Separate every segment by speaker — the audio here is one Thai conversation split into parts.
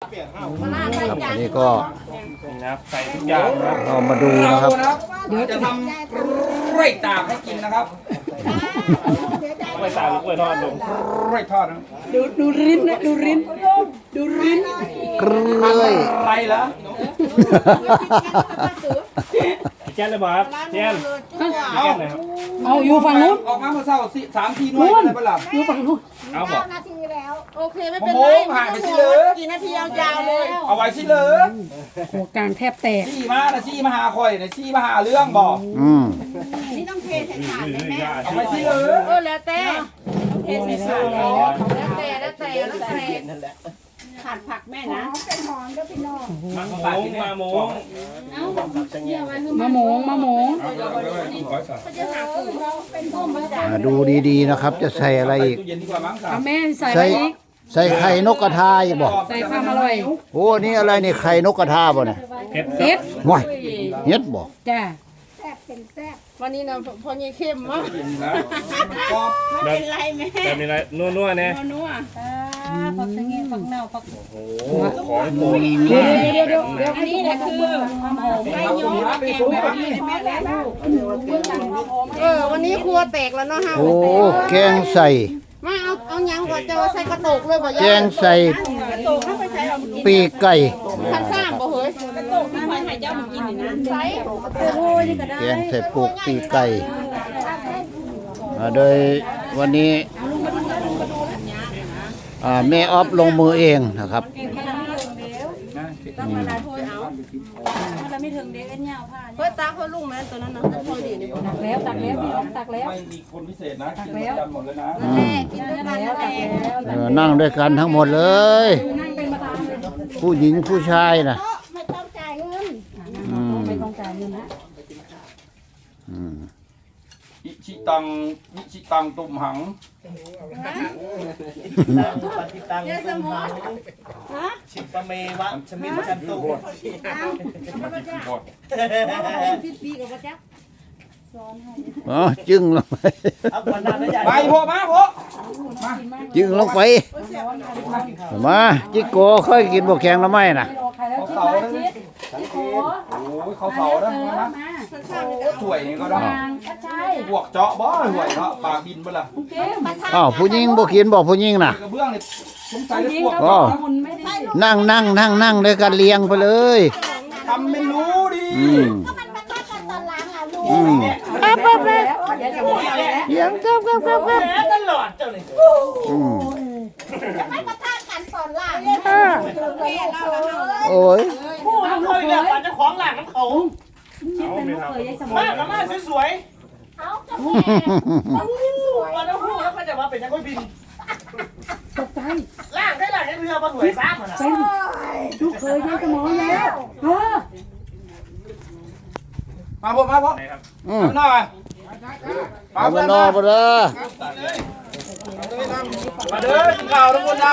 Speaker 1: ครับอันนี้ก็
Speaker 2: นะครับใส่ทุกอย่างนะครับ
Speaker 1: เรามาดูนะครับ
Speaker 3: เดี๋ยวจะทำกล้วยตากให้กินนะครับ
Speaker 2: กล้วยตากหรือกล้วยทอดลุง
Speaker 3: กล้วยทอดนะ
Speaker 4: ดูริ้นนะดูริ้น
Speaker 1: กล้วย
Speaker 3: ไรเหรอ
Speaker 2: แจ้นเลยบ่ครับแจ้นแจ้นไหนครับ
Speaker 4: เอาอยู่ฝั่งนู้น
Speaker 3: ออกมาเมื่อเช้า3-4 หน่วยอะไรบ้างล่ะ
Speaker 4: อยู่ฝั่งนู้น
Speaker 2: เอาบอก
Speaker 5: นาทีแล้ว
Speaker 6: โอเคไม่เป็นไร
Speaker 3: โอ้โหหายไปสิเลย
Speaker 6: กี่นาทียาวๆเลย
Speaker 3: เอาไว้สิเลย
Speaker 4: หัวกลางแทบแตก
Speaker 3: ซี่มาหาคอยนะซี่มาหาเรื่องบอก
Speaker 1: อืม
Speaker 5: นี่ต้องเทใส่ถาดไหมแม่
Speaker 3: เอาไว้สิเลย
Speaker 6: แล้วแต่
Speaker 5: เทใส่ถาดแล้ว
Speaker 6: แล้วแต่
Speaker 5: ขาดผักแม่นะเป็นหอมแล้วพี่น้อง
Speaker 2: มาโมงมาโมง
Speaker 4: มะหมง
Speaker 1: ดูดีๆนะครับ จะใส่อะไรอีก
Speaker 3: ตู้เย็นดีกว่ามั้งครั
Speaker 4: เอา
Speaker 3: บ
Speaker 4: แม่ใส่
Speaker 1: ใส่
Speaker 4: อะไรอีก
Speaker 1: ใส่ไข่นกกระทาอีกบ่
Speaker 4: ใส่ความอร่อย
Speaker 1: โอ้นี่อะไรนี่ไข่นกกระทาบ่เนี่ย
Speaker 2: เห็ด
Speaker 4: เฮ็ด
Speaker 1: ว้ายเฮ็ดบ่
Speaker 4: จ้า
Speaker 5: แซ่บเป็นแซ่บ
Speaker 6: วันนี้นะพอยี่เข้มมาก
Speaker 3: ก็
Speaker 2: แบบ
Speaker 5: เป็นไรแม่
Speaker 2: แบบนี้ไรนัวๆเนี่ย
Speaker 5: นัวผักสะเงผักเน่าผัก
Speaker 2: โอ้โหของโปรด
Speaker 4: เดี๋ยว
Speaker 5: อันนี้แหละคือความหอมไก่ย้อมแกงแบบนี้แม่แล้ว
Speaker 6: วันนี้ครัวแตกแล้วเนาะฮะ
Speaker 1: โอ้แกงใส่
Speaker 6: มาเอายังก่อนจะใส่กระโตกเลยบ่
Speaker 1: แกงใส่
Speaker 5: โตเข้าไปใช้เรากิน
Speaker 1: ปีกไก่
Speaker 6: คันสร้างบ่เฮ้ย
Speaker 5: โตที่คอยหายเจ้ามากินนี่นะใช้
Speaker 1: แกงใส่ปูกปีกไก่โดยวันนี้แม่ออฟลงมือเองนะครับ
Speaker 6: เฮ้ยตาเขาลุงแม่ตัวนั้นนะพอดีนี่
Speaker 4: ตักแล้วพี่น้องตักแล้ว
Speaker 3: ไม่มีคนพิเศษนะกินด้วยกันหมดเลยนะ
Speaker 1: อืม
Speaker 6: กินด้วยกันนั่นแหละ
Speaker 1: นั่งด้วยกันทั้งหมดเลย ผู้หญิงผู้ชายนะ
Speaker 5: ไม่ต้องจ่ายเงิน
Speaker 1: อืม
Speaker 4: ไม่ต้องจ่ายเงินนะ
Speaker 1: อืม
Speaker 3: อิชิตังตุ่มหัง
Speaker 5: เนี่ยสมอง
Speaker 7: ชิปะเมวะชมิมกันตุ
Speaker 5: พี่ปีกับว่าจ๊ะ
Speaker 1: อ๋อจึงลงไป
Speaker 7: เอาวันนั้นนะใหญ่
Speaker 3: ไปพวกมาพวก
Speaker 1: จึงลงไปมาจิโก้ค่อยกินบกแข็งแล้วไหมนะ
Speaker 3: เขาเสาแล้วนะโอ้ยเขาเสาแล้วนะถ่วยนี่ก็ได้บวกเจาะบ่ถ่วยเนาะปากบินบ่ล่ะ
Speaker 1: อ้าวผู้หญิงบ่กินบอกผู้หญิงน่ะ
Speaker 3: กระเบื้องนี่สงสัยจะพวก
Speaker 1: อ๋อนั่งด้วยกันเลี้ยงไปเลย
Speaker 3: ทำไม่รู้ดิ
Speaker 1: อืม
Speaker 5: ก็มันมาทอดกันตอนล้างอ่ะลูก
Speaker 1: อืม
Speaker 4: เดี๋ยวจะบอกอะไร
Speaker 1: เลี้ยงครับ
Speaker 7: ตลอดเจ้านี่
Speaker 1: อืม
Speaker 5: จะไม่มาทอดกันตอนล้างแม่เรา
Speaker 1: โอ้ย
Speaker 7: พูดเคยเนี่ยมันจะของหลังน้ำเขา
Speaker 2: เอาไม่ทำ
Speaker 7: มากกับมากสวย
Speaker 5: เอาจะแม่
Speaker 7: ๆมันต้องพูดแล้วก็จะมาเป็นนักบิน
Speaker 4: ตกใจ
Speaker 7: ล่างได้หลังเรือมาสวยซ้ำมัน
Speaker 4: เป็นลูกเคยได้สมองแล้ว
Speaker 3: มาพวกมาพวก
Speaker 2: ไหนครับ
Speaker 1: อืม
Speaker 3: หน่อย
Speaker 1: เอามานอนไปเลย
Speaker 3: มาเด้อกินข้าวทุกคนนะ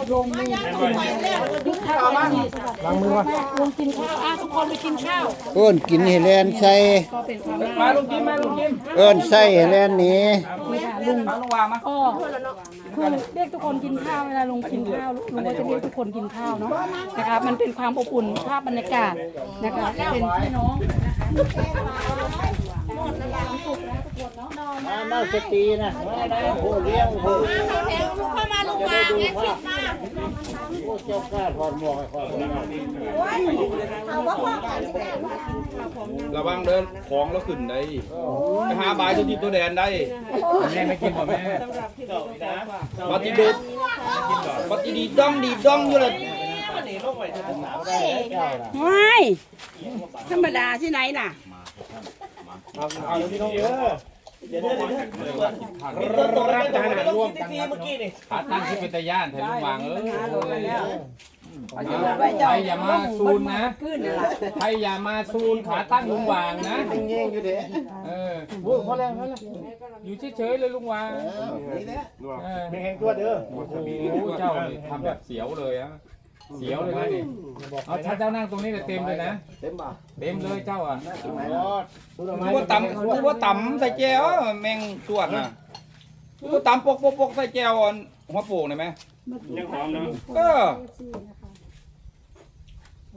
Speaker 4: ลุงกินข้าวทุกคนไปกินข้าว
Speaker 1: เอิ้นกินให้แลนใส่
Speaker 4: ก็เป็นความ
Speaker 3: มาลุงกิมมาลุงกิม
Speaker 1: เอิ้นใส่ให้แลนหนี้
Speaker 4: ลุง
Speaker 3: มาลุงวางมา
Speaker 4: ก็คือเรียกทุกคนกินข้าวเวลาลุงกินข้าวลุงก็จะเรียกทุกคนกินข้าวเนาะนะครับมันเป็นความอบอุ่นภาพบรรยากาศนะคะเป็นพี่น้อง
Speaker 1: น่าสตีนะผู้เลี้ยงผู้
Speaker 5: เข้ามาลูกวางแม่คิดมา
Speaker 1: เจ้ากล้าถอดหมวกให้ก่อน
Speaker 5: เอาว่าพ่อกันแม่
Speaker 3: ระวังเดินของแล้วขึ้นได้ไปหาบายตัวทิพตัวแดนได้แม่ไม่กินบ่แม่ปฏิดุปฏิดีดองอยู่เลย
Speaker 5: ไม่ธรรมดาที่ไหนน่ะ
Speaker 3: เอาพี่น้องเยอะ
Speaker 7: เดี๋ยวตัวรับทหารร่วมกันเมื่อกี้นี่
Speaker 8: ขาตั้งที่เป็นตะย่านแทนลุงวางใครอย่ามาซูนนะใครอย่ามาซูนขาตั้งลุงวางนะเงี้ยอยู่เด้พอแล้วอยู่เฉยๆเลยลุงวางไม่แห้งตัวเด้อโอ้โหเจ้าทำแบบเสียวเลยอะเสียวเลยนะนี่เอาถ้าเจ้านั่งตรงนี้เต็มเลยนะเต็มเลยเจ้าอ่ะ
Speaker 3: คือว่าต่ำใส่แจวแมงตรวจน่ะคือว่าต่ำปกใส่แจวหัวโป่งได้ไหม
Speaker 2: ยังหอมเนาะ
Speaker 3: ก็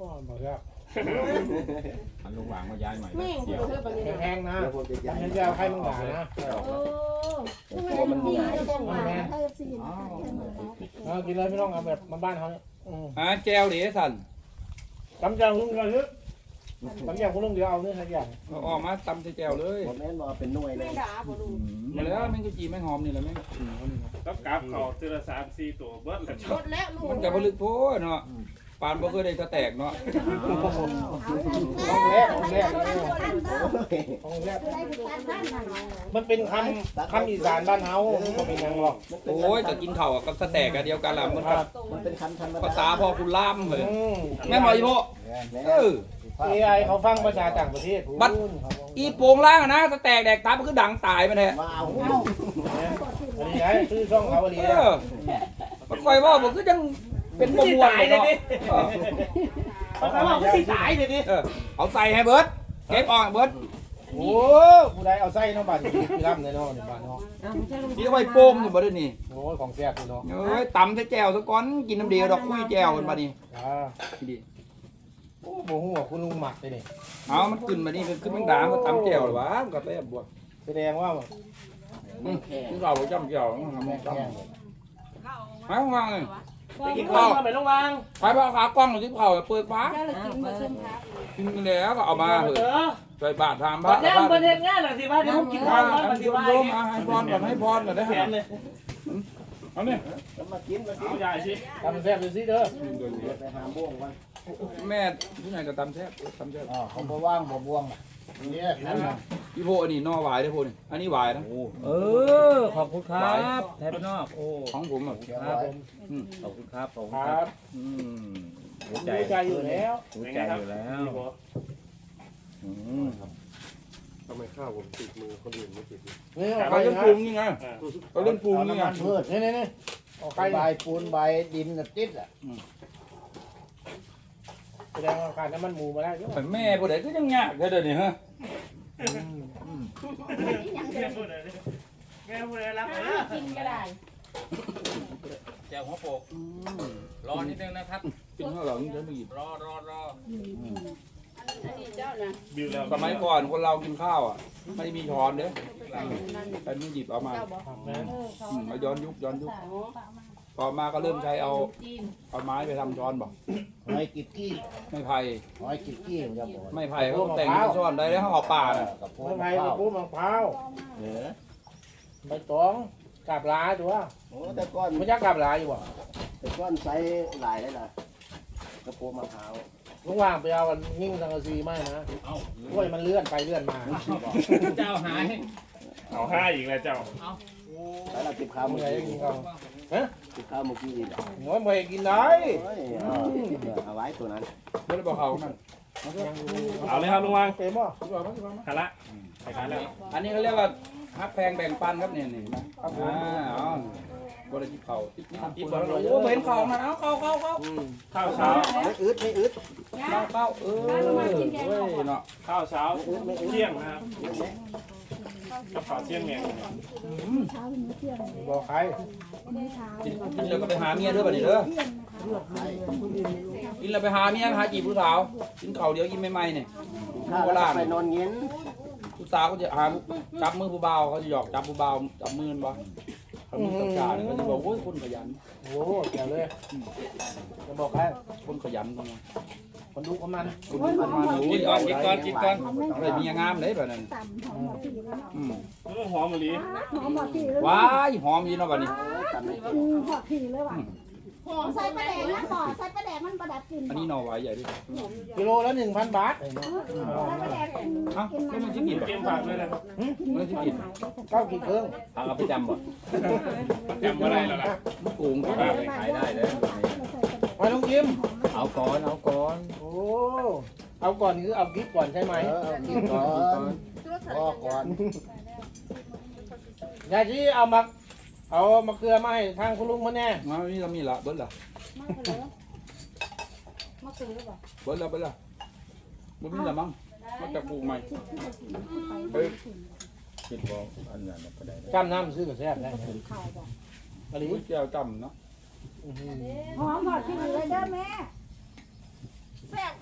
Speaker 7: บอกแล้ว
Speaker 8: อันลุงหวางมาย้ายใหม่
Speaker 6: แม่ง
Speaker 8: เสียว
Speaker 6: เธอแบบนี้
Speaker 7: แพงนะฉันจะเอาใครมึงด่านะ
Speaker 5: ทำไมมันดีจังวะให้ซีน
Speaker 7: กินเลยไม่ต้องเอาแบบมาบ้านเขาเนี่ย
Speaker 3: แจวดิสัน
Speaker 7: กำจังลุงกันเถอะกำจังคุณลุงเดี๋ยวเอาเนื้อสักอย่าง
Speaker 3: เอาออกมาตำใส่แจวเลย
Speaker 9: ผมแม่นบอกเป็นหน่วยเลย
Speaker 6: แม่ด่าบ่ลูก
Speaker 3: มาแล้วแม่งก็จีแม่งหอมนี่แหละแม่ง
Speaker 2: ต้องกราบเขาทีละ3-4ตัวเบิ้ลกัน
Speaker 6: หมดแล้วลูก
Speaker 3: มันจะผลึกโพดเนาะปานบ่เคยได้สแตกเนาะ
Speaker 7: ห้องแรกห้องแรกมันเป็นคำอีสานบ้านเฮามันเป็นยังหรอก
Speaker 3: โอ้ยจะกินข้าวกับสแตกกันเดียวกันล่ะมัน
Speaker 9: มันเป็นคันธรรม
Speaker 3: ภา
Speaker 9: ดา
Speaker 3: ษาพ่อคุณล่ามเลยแม่นบ่อีโพเออ
Speaker 7: AI เขาฟังภาษาต่างประเทศ
Speaker 3: บัดอีโป่งล่างอะนะสแตกแดกตามันคือดังตายมันแท้
Speaker 9: ว้าว
Speaker 7: อันนี้ไงชื่อช่องเขาอันนี้
Speaker 3: เออมันคอยว่าบ่คือจังเป็นบ่ม่วนเนาะ
Speaker 7: เขาบอกว่าสิตายเลยดิ
Speaker 3: เอาใส่ให้เบิดเก็บออกเบิด
Speaker 7: โอ้ผู้ใดเอาไส้น้องบ้านที่ร่ำเลยเนาะในบ้านเนาะ
Speaker 3: ที่ไว้โป่งอยู่บ่ได้นี่
Speaker 7: โอ้ยของแซ่บเนาะ
Speaker 3: เอ้ยตำใส่แจ่วซะก่อนกินน้ำเดียวดอกคุยแจ่วกันบัดนี้ ดี
Speaker 7: โอ้โหหัวคุณลุงหมักเลยนี่
Speaker 3: เอามันขึ้นมานี่ขึ้นแมงดามันตำแจ่วหรอวะมันก็แซ่บบวก
Speaker 7: แสดงว่า
Speaker 3: นี่เราบ่จำแจ่วมันมองจำหายว่างเลย
Speaker 7: ไปกินข้าวมาไปโรงพยาบาล
Speaker 3: ไปบ่ขากล้องหรือที่เผาเปิดฟ้า
Speaker 4: เจ้าละกินมาเส้นพระ
Speaker 3: กินแล้วก็เอามาเถอะใส่บาตรทำพ
Speaker 7: บั
Speaker 3: ระ
Speaker 7: ดนี้ประเทศงานหน่อยสิว่าเดี๋ยวผมกินข้าวก่อนปฏิบัติ
Speaker 3: โยมให้พรก่อนให้พรก่อนได้
Speaker 7: แข
Speaker 3: ฮะ
Speaker 7: นเลย
Speaker 3: เอาเนี่ย
Speaker 9: มากิน
Speaker 2: เอาใหญ่สิ
Speaker 7: ทำแซ่บดูสิเด้อ
Speaker 9: ไปหาบ่วงวัน
Speaker 3: แม่ที่ไหนก็ตำแซ่บตำแซ่บ
Speaker 9: อ๋อเขาบ่ว่างบ่บ่วงเนี่ยนั่นนะ
Speaker 3: พี่โพอันนี้นอหวายได้อโพนี่อันนี้หวายนะ
Speaker 8: ขอบคุณครับไทยบ้านนอกโอ้
Speaker 3: ของผมอ่ะ
Speaker 7: ครับผม
Speaker 8: ขอบคุณครับขอบคุณ
Speaker 7: ค
Speaker 8: ค
Speaker 7: รั
Speaker 8: รั
Speaker 7: บบ
Speaker 8: หัวใจ
Speaker 7: ใจอยู่แล้ว
Speaker 8: หัวใจอยู่แล้วอืม
Speaker 2: ทำไมข้าวผมติดมือคนอื่นไม่ติด
Speaker 7: นี่
Speaker 3: เขาเล่นปรุงนี่ไงเขาเล่นปรุงนี่ไง
Speaker 9: เพื่อ
Speaker 7: นี่เอาไข่
Speaker 9: ใบปูนใบดินติดอ่ะ
Speaker 7: แสดงว่าการน้ำมันหมูมาแล้ว
Speaker 3: แต่แม่ผู้ใดก็ยังยากแค่เดี๋ยวนี้ฮะ
Speaker 2: แม่พูดอะไรรับเลย
Speaker 6: กินก็ได้
Speaker 8: แจวหัวโปกรอนิดนึงนะครับ
Speaker 3: กินข้าวหลังจะไม่หยิบ
Speaker 8: รอ
Speaker 6: อันนี้เจ้านะ
Speaker 2: บิวแล้ว
Speaker 3: สมัยก่อนคนเรากินข้าวอ่ะไม่ได้มีช้อนเด้อใครไม่หยิบเอามาเอาย้อนยุคต่อมาก็เริ่มใช้เอาไม้ไปทำช้อนบอก
Speaker 9: หอยกิบกี้
Speaker 3: ไม่ไผ่
Speaker 9: หอยกิบกี้ผมจะบอก
Speaker 3: ไม่ไผ่เขาแต่งเป็นช้อนได้แล้วเขาเอาป่าน่ะ
Speaker 9: กับพวก
Speaker 7: มะพร้าวปูมะพร้าว
Speaker 9: เหนือ
Speaker 7: ใบตองกาบลาดูว่า
Speaker 9: โอ้แต่ก้อน
Speaker 7: ไม่ยักกาบลาอยู่บ่
Speaker 9: แต่ก้อนไซส์หลายได้ล่ะกระโปรงมะพร้าว
Speaker 7: ลุงว่างไปเอายิ่งสังกะสีไม่นะกล้วยมันเลื่อนไปเลื่อนมา
Speaker 8: เจ้าหาย
Speaker 2: เอาห้าอีกแล้วเจ้า
Speaker 9: แล้วเราเก็บข้าว
Speaker 7: เมื่
Speaker 9: เมื่
Speaker 7: อ
Speaker 9: อ
Speaker 7: ไหร่
Speaker 9: กี้
Speaker 7: กินข้าว
Speaker 9: เก็บข้าวเมื่อกี้นี่แหละ
Speaker 7: โอ้ยไม่กินได้
Speaker 9: เอาไว้ตัวนั้น
Speaker 3: ไม่ได้บอกเขามัน
Speaker 2: เอาเลยครับลุงวัง
Speaker 7: เต็มบ่
Speaker 2: ขาละใส่ขาแล้ว
Speaker 3: อันนี้เขาเรียกว่าฮักแพงแบ่งปันครับเนี่ยนี่นะอ๋อบริจิตเขาติดบอลโอ้เห็นเขามันเอาเข้า
Speaker 2: ข้าวเช้า
Speaker 9: ไม่อึดไม่อึด
Speaker 3: เข้าเนาะ
Speaker 2: ข้าวเช้าเที่ยงนะครับกับข้าวเที่ยงเนี่ย
Speaker 7: บอกใคร
Speaker 3: กินแล้วก็ไปหาเมียด้วยป่ะนี่เด้อกินแล้วไปหาเมียหาจีบผู้สาวกินข้าวเดี๋ยวกินใหม่ๆเนี่ย
Speaker 9: ข้าวแล้วไปนอนเย็น
Speaker 3: ผู้สาวก็จะหาจับมือผู้บ่าวเขาจะหยอกจับผู้บ่าวจับมือบ่เขามีสัจจะเขาจะบอกโอ้ยคนขยัน
Speaker 7: โอ้เกี่ยวเลยจะบอกใคร
Speaker 3: คนขยันคน
Speaker 7: คนดูประมาณ
Speaker 3: คนดูประมาณกินก่อนอะไรมีงามเลยแบบนั้น
Speaker 2: หอมมะลิ
Speaker 3: ว้ายหอมยีเนาะบัดนี้
Speaker 5: หอมใส่ปลาแดงนะหอมใส่ปลาแดงมันประดับกลิ่น
Speaker 3: อันนี้หน่อไว้ใหญ่ด้วย
Speaker 7: กิโลละ 1,000 บาท
Speaker 5: ใส่ปลาแดง
Speaker 3: เอ้าไม่มันจะกินบ่
Speaker 2: เกมฝากด้วยนะครับ
Speaker 3: มันจะกิน
Speaker 7: เข้ากี่เครื่อง
Speaker 8: เอาไปจำบ่
Speaker 2: จำอะไรแล้วล่ะ
Speaker 3: โกงก็
Speaker 8: ป้าไปขายได้เลย
Speaker 7: มาลุงจิม
Speaker 8: เอาก่อน
Speaker 7: โอ้เอาก่อนคือเอากิ๊บก่อนใช่ไหม
Speaker 9: เอากินก่อนพอก่อน
Speaker 7: ยายที่เอามะเขือมาให้ทางคุณลุงมาแน่
Speaker 3: มานี่เรามีละเบิ้ลละ
Speaker 5: มาซื้อหรือเปล่า
Speaker 3: เบิ้ลละมันมีละมั้งมาจากปลูกใหม่เฮ้ย
Speaker 8: คิดว่าอันนั้นก็ได้
Speaker 7: จำน้ำซื้อกับแซ่บได้อะไร
Speaker 3: อุ้ยแก้วจำเนาะ
Speaker 5: หอมหอดที่เหลือเด้อแม่
Speaker 6: แซ่บ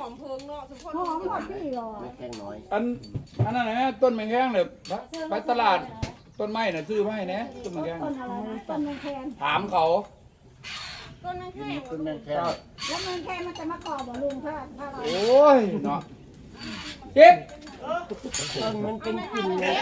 Speaker 6: อมเพิงเนาะทุกคน
Speaker 5: หอมหมดพี่หรอ
Speaker 9: ไม่แข้งน้อย
Speaker 3: อันนั้นนะต้นแมงแข้งเนี่ยไปตลาดต้นไม้น่ะซื้อมาให้นะต้นแมงแข้ง
Speaker 5: ต้นอะไรนะต้นแมงแคน
Speaker 3: ถามเขา
Speaker 6: ต้นนั้นแค่
Speaker 9: ขึ้นแม่งแข้ง
Speaker 5: แล้วแมงแคนมันจะมากรอบเหรอลุงถ้าเรา
Speaker 3: โอ้ยเนาะเจ็บ
Speaker 6: มันเป็นกลิ่นเลย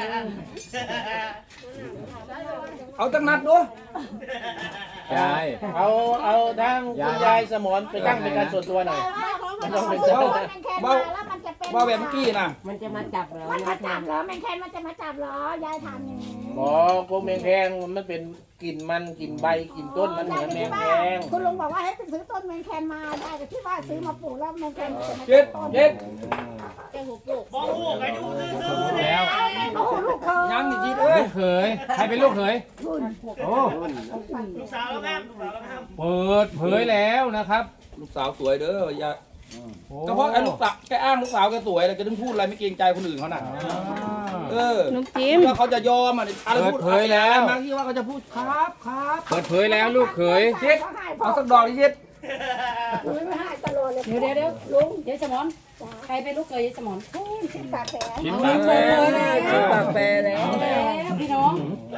Speaker 3: เอาตั้งนัดด้วย
Speaker 8: ยาย
Speaker 7: เอาทางคุณยายสมรไปตั้งเป็นการส่วนตัวหน่อย
Speaker 5: มันต้องเป็นเจ้าแมงแคนมาแล้วมันจะเป็น
Speaker 3: ว่าแบบเมื่อกี้นะ
Speaker 6: มันจะมาจับเรา
Speaker 5: มันมาจับเหรอแมงแคนมันจะมาจับเหรอยายทำอย่างนี้
Speaker 7: หมอพวกแมงแคงมันเป็นกลิ่นมันกลิ่นใบกลิ่นต้นมันเหมือนแมงแคง
Speaker 5: คุณลุงบอกว่าให้ไปซื้อต้นแมงแคนมาได้แต่ที่ว่าซื้อมาปลูกแล้วแมงแคนมันจะมา
Speaker 3: เจ็บ
Speaker 5: ต้น
Speaker 3: เจ็บ
Speaker 6: แกหัวโปก
Speaker 7: บอกลูกอายุซื้อ
Speaker 8: แล้ว
Speaker 5: โอ้โหลูกเขา
Speaker 3: ยังอีกทีเอ้ย
Speaker 8: ลูกเขยใครเป็นลูกเขยโอ้
Speaker 7: ลูกสาวแล้วแม่ลูกสาวแล้วแม่
Speaker 8: เปิดเผยแล้วนะครับ
Speaker 3: ลูกสาวสวยเด้ออย่า
Speaker 8: โอ้
Speaker 3: ก็เพราะไอ้ลูกสาวแกอ้างลูกสาวแกสวยเลยแกถึงพูดอะไรไม่เกรงใจคนอื่นเขาน่ะเออ
Speaker 6: น้ำจิ้ม
Speaker 3: ว่าเขาจะยอมอ่ะอะไรพูด
Speaker 8: เปิดเผยแล้ว
Speaker 3: บางทีว่าเขาจะพูดครับครับ
Speaker 8: เปิดเผยแล้วลูกเขย
Speaker 3: เช็ดเอาสักดอกดิเช็ด
Speaker 5: ไม่ให้ตลอดเลย
Speaker 4: เดี๋ยวลุงยายสมอนใครเป็นลูกเขยยายสมอน
Speaker 5: ชิ้นปากแผล
Speaker 8: ชิ้นปากแปร
Speaker 3: ชิ้นปากแปรแล้ว
Speaker 4: แล้วพี่น้อง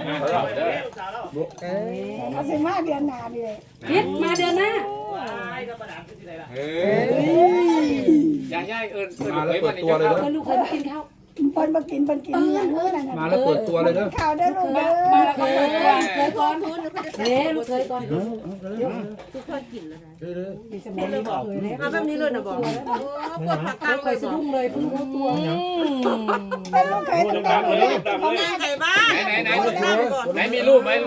Speaker 5: เขาสิมาเดือนหน้าดิเลย
Speaker 4: พิษมาเดือนหน้า
Speaker 8: เฮ้ยย่าเอิญ
Speaker 3: มาแล้วเปิดตัวเลยเด้อ
Speaker 4: เออลูกเขยมากินข้าว
Speaker 5: เปิ้นมากินอย่างอื่นนั่น
Speaker 3: มาแล้วเปิดตัวเลยเด้อ
Speaker 5: ข่าวเด้อลูกเด้อ
Speaker 4: มาแล้วก็เคยก่อนลูกเคยก่อน
Speaker 6: ทุกคนกินแล้วนะ
Speaker 4: ยายสมอนเลยบอกเคยแล้ว
Speaker 6: เอาแบบนี้เลยนะบอกปวดผักกาด
Speaker 4: เคยสะดุ้งเลยเพิ่งรู้ตัว
Speaker 5: เป็นลูกเคย
Speaker 2: พูด
Speaker 5: ตั้ง
Speaker 2: ดั
Speaker 5: แต่
Speaker 2: งๆเลยดังๆเลย
Speaker 6: ไก่บ้าน
Speaker 8: ไหนมีรูปไหม